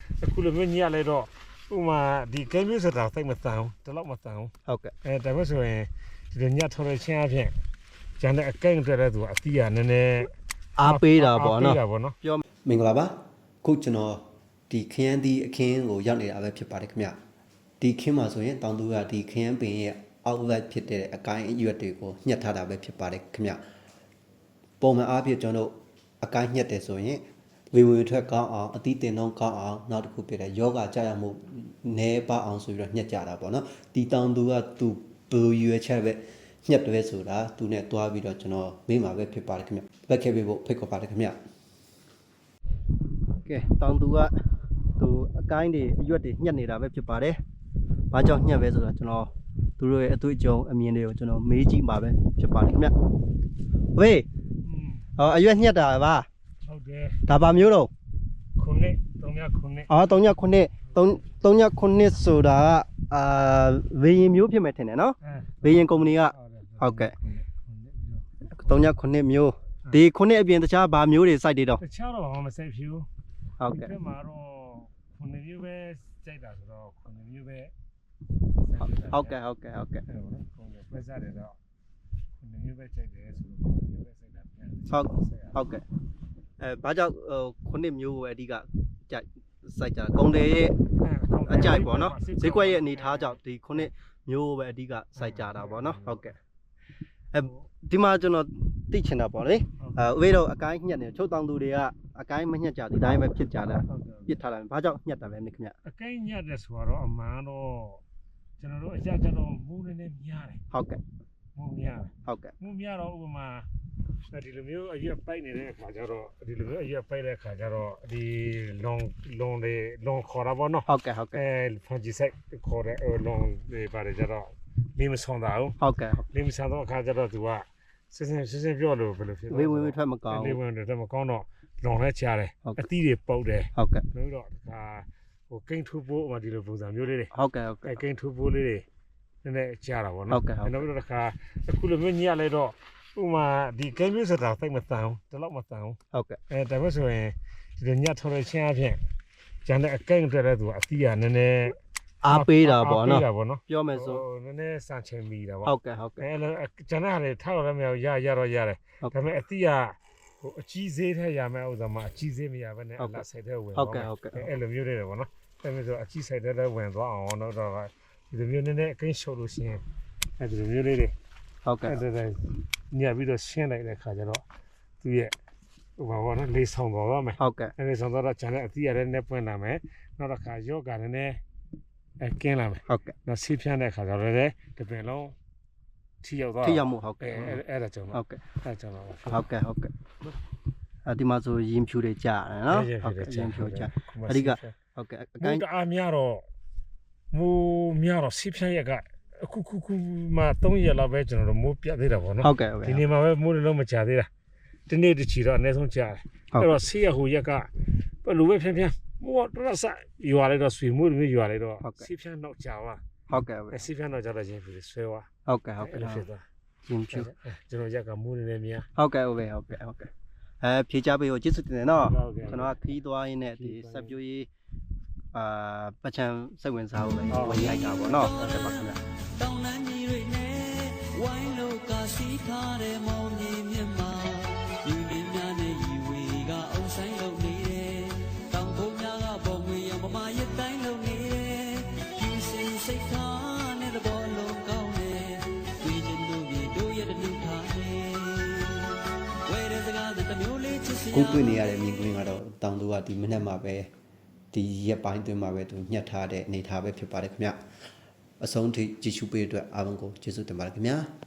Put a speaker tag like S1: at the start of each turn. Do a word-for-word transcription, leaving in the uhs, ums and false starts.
S1: အခုလိုမျိုးညက်လိုက်တော့ဥမာဒီကဲမျိုးဆိုတာစိတ်မဆန်ဘူးတလောက်မဆန်ဘူး
S2: ဟုတ်ကဲ့
S1: အဲဒါမှဆိုရင်ဒီလိုညက်ထော်ရချင်းအဖြစ်ကျန်တဲ့အကဲအတွက်လည်းသူအသီးကနည်းနည်း
S2: အားပေးတာပေါ့နော်
S1: ပြော
S3: မင်္ဂလာပါခုကျွန်တော်ဒီခရမ်းသီးအခင်းကိုရောက်နေတာပဲဖြစ်ပါတယ်ခင်ဗျဒီခင်းမှာဆိုရင်တောင်သူကဒီခရမ်းပင်ရဲ့အောက်လက်ဖြစ်တဲ့အကိုင်းအရွက်တွေကိုညှက်ထားတာပဲဖြစ်ပါတယ်ခင်ဗျပုံမှန်အားဖြင့်ကျွန်တော်တို့အကိုင်းညှက်တယ်ဆိုရင်ဝေဝေထွက်ကောင်းအောင်အသီးတင်တော့ကောင်းအောင်နောက်တစ်ခုပြတဲ့ယောဂကြာရမှုနဲပါအောင်ဆိုပြီးတော့ညှက်ကြတာပေါ့နော်ဒီတောင်သူကသူဘယ်လိုရွယ်ချက်ပဲညှက်တယ်ဆိုတာသူနဲ့တွားပြီးတော့ကျွန်တော်မေးမှာပဲဖြစ်ပါတယ်ခင်ဗျလက်ခဲ့ပေးဖို့ဖိတ်ခေါ်ပါတယ်ခင်ဗျ
S2: ကဲတောင်သူကသူအကိုင်းတွေအရွက်တွေညှက်နေတာပဲဖြစ်ပါတယ်။ဘာကြောင့်ညှက်ပဲဆိုတော့ကျွန်တော်သူတို့ရဲ့အတွေ့အကြုံအမြင်တွေကိုကျွန်တော်မေးကြည့်မှာပဲဖြစ်ပါတယ်ခင်ဗျ။ဝေးဟောအရွက်ညှက်တာပါ
S1: ဟုတ်တယ်
S2: ဒါပါမျိုးတော့
S1: ခုနှစ်သုံးညခုနှစ်
S2: အော်သုံးညခုနှစ်သုံးသုံးညခုနှစ်ဆိုတာကအာဝေရင်မျိုးဖြစ်မယ်ထင်တယ်နော်ဝေရင်ကုမ္ပဏီကဟုတ်ကဲ့သုံးညခုနှစ်မျိုးဒီခုနှစ်အပြင်တခြားဘာမျိုးတွေစိုက်တွေတော့
S1: တခြားတော့ဘာမှမစိုက်ဘူး
S2: ဟုတ်ကဲ့
S1: ဒီမှာတော့ခုနှစ်မျိုးပဲစိုက်တာဆိုတော့ခုနှစ်မျိုးပဲ
S2: ဟုတ်ကဲ့ဟုတ်ကဲ့ဟုတ်ကဲ့
S1: ဟုတ်ပဲစားတယ်တော့ခုနှစ်မျိုးပဲစိုက်တယ်ဆိုတော့ခုနှစ်မျိုးပဲစိုက်တာပြန်
S2: ဟုတ်ဟုတ်ကဲ့အဲဘာကြောင့်ခုနှစ်မျိုးကိုအဓိကကြိုက်စိုက်ကြကုံတယ်ရဲ့အကြိုက်ပေါ့နော်ဈေးကွက်ရဲ့အနေထားကြောင့်ဒီခုနှစ်မျိုးပဲအဓိကစိုက်ကြတာပေါ့နော်ဟုတ်ကဲ့အဲဒီမှာကျွန်တော်သိချင်တာပေါ့လေအဲဥပဒေတော့အကိုင်းညှက်နေချုပ်တောင်သူတွေကအကိုင်းမညှက်ကြဒီတိုင်းပဲဖြစ်ကြတာပြစ်ထားတယ်ဘာကြောင့်ညှက်တာလဲခင်ဗျ
S1: အကိုင်းညှက်တယ်ဆိုတော့အမှန်တော့ကျွန်တော်တို့အကြကြတော့မူးနေနေများတယ်
S2: ဟုတ်ကဲ့
S1: မူးများ
S2: ဟုတ်ကဲ့
S1: မူးများတော့ဥပမာဒီလိုမျိုးအရွက်ပိုက်နေတဲ့အခါကျတော့ဒီလိုမျိုးအရွက်ပိုက်တဲ့အခါကျတော့ဒီလွန်လွန်တွေလွန်ခေါ်တာပေါ့နော်
S2: ဟုတ်ကဲ့ဟုတ်ကဲ့
S1: အဲဖန်ဂျီဆိုင်ခေါ်တဲ့လွန်တွေပါတယ်ကျတော့လင်းမဆောင်တာဟုတ်
S2: ဟုတ်ကဲ့
S1: လင်းမဆောင်တော့အခါကျတော့သူကစစစစပြောလို့ဘယ်လိုဖြစ်လဲ
S2: ဝေးဝေးထွက်မကောင်း
S1: ဝေးဝေးထွက်မကောင်းတော့လွန်လဲချတယ်အသီးတွေပုတ်တယ်
S2: ဟုတ်ကဲ့
S1: လို့တော့ဒီကဟိုကိန်းထူဖို့ဟိုဒီလိုပုံစံမျိုးလေးတွေ
S2: ဟုတ်ကဲ့ဟုတ်ကဲ့
S1: ကိန်းထူဖို့လေးတွေနည်းနည်းချတာပေါ့နော်
S2: ဟုတ်ကဲ့
S1: နောက်ပြီးတော့ဒီကအခုလိုမျိုးညက်လိုက်တော့ဥမာဒီကဲမျိုးဆိုတာစိတ်မဆန်ဘူးတလောက်မဆန်ဘူး
S2: ဟုတ်ကဲ့
S1: အဲဒါမှဆိုရင်ဒီလိုညက်ထော်ရချင်းအဖြစ်ကျန်တဲ့အကဲအတွက်လည်းသူအသီးကနည်းနည်း
S2: အားပေးတာပေါ့နော်
S1: ပြောမယ်ဆိုနည်းနည်းစံချိန်မိတာပေါ့
S2: ဟုတ်ကဲ့ဟုတ်ကဲ့
S1: အဲကျန်တဲ့ဟာတွေထားတော့လည်းမရရရတော့ရတယ်ဒါပေမဲ့အသီးကဟိုအကြီးသေးထဲရမယ်ဥစ္စာမှာအကြီးသေးမရဘဲနဲ့အလားဆိုင်တဲ့ဝင်
S2: ဟုတ်ကဲ့ဟုတ်ကဲ့
S1: အဲ့လိုမျိုးတွေပေါ့နော်ဒါပေမဲ့ဆိုအကြီးဆိုင်တဲ့ဝင်သွားအောင်တော့တော့ဒီလိုမျိုးနည်းနည်းအကင်းရှုပ်လို့ရှိရင်အဲ့ဒီလိုမျိုးလေးတွေ
S2: ဟုတ်ကဲ့
S1: အဲ့ဒါညပြီးတော့ရှင်းလိုက်တဲ့ခါကျတော့သူရဲ့ဟိုဘာပေါ့နော်လေးဆောင်သွားပါမယ်
S2: ဟုတ်ကဲ့
S1: အဲ့လေးဆောင်တော့ကျန်တဲ့အသီးရတဲ့နဲ့ပွင့်လာမယ်နောက်တစ်ခါယောဂါနဲ့အဲကင်းလာမယ်
S2: ဟုတ်ကဲ့
S1: နောက်ဆေးဖြန်းတဲ့ခါကျတော့လည်းတပင်လုံးထိရောက်သွား
S2: ထိရောက်မှုဟုတ်ကဲ့
S1: အဲ့ဒါကြောင့်
S2: ဟုတ်ကဲ့
S1: အဲ့ကြောင့်တော့
S2: ဟုတ်ကဲ့ဟုတ်ကဲ့အဲဒီမှာဆိုရင်ဖြူတွေကြာတယ်နော်ဟုတ်ကဲ့ရင်ဖြူကြာအဓိကဟုတ်ကဲ့
S1: အကိုင်းအားများတော့မူများတော့ဆေးဖြန်းရက်ကအခုခုခုမှသုံးရက်လောက်ပဲကျွန်တော်တို့မိုးပြတ်သေးတာပေါ့နော်
S2: ဟုတ်ကဲ့ဟုတ်ကဲ့
S1: ဒီနေ့မှာပဲမိုးလုံးမချသေးတာဒီနေ့တချီတော့အနည်းဆုံးကြားတယ်အဲ့တော့ဆေးရဟိုရက်ကဘယ်လိုပဲဖြန်းဖြန်းမိုးတော့စရွာလိုက်တော့ဆွေမိုးတွေရွာလိုက်တော့ဆေးဖြန်းတော့ကြာသွား
S2: ဟုတ်ကဲ့ဟုတ်ကဲ့
S1: ဆေးဖြန်းတော့ကြာတော့ချင်းဖြစ်ဆွဲသွား
S2: ဟုတ်ကဲ့ဟုတ်ကဲ့
S1: ဖြစ်သွား
S2: ရင်ဖြူ
S1: ကျွန်တော်ရက်ကမိုးနေနေများ
S2: ဟုတ်ကဲ့ဟုတ်ကဲ့ဟုတ်ကဲ့ဟုတ်ကဲ့အဲဖြေချပေးကိုကျေးဇူးတင်တယ်နော်ကျွန်တော်ကခီးသွားရင်းနဲ့ဒီဆက်ပြိုးရေးအာပချံစိတ်ဝင်စားဖို့ပဲဝင်ရိုက်တာပေါ့နော်ဟုတ်ကဲ့ပါခင်ဗျာတောင်းလန်းကြီးတွေနဲ့ဝိုင်းလို့ကစီးထားတဲ့မောင်ကြီးမြတ်မှာယူရင်းများနဲ့ရီဝေကအုံဆိုင်လုံနေတယ်တောင်ဖို့များကပုံငွေရမမရတိုင်းလုံနေတယ်ယူစင်စိတ်ထားနဲ့တဘောလုံးကောင်းတယ်တွေ့ချင်လို့မြေတို့ရဲ့တလူထားတယ်ဝဲတဲ့စကားတမျိုးလေးချစ်စီ
S3: ကိုတွေ့နေရတဲ့မြင်ကွင်းကတော့တောင်သူကဒီမနေ့မှပဲဒီရက်ပိုင်းတွင်မှာပဲသူညှက်ထားတဲ့အနေထားပဲဖြစ်ပါတယ်ခင်ဗျအဆုံးထိကြည့်ရှုပေးတဲ့အတွက်အားလုံးကိုကျေးဇူးတင်ပါတယ်ခင်ဗျာ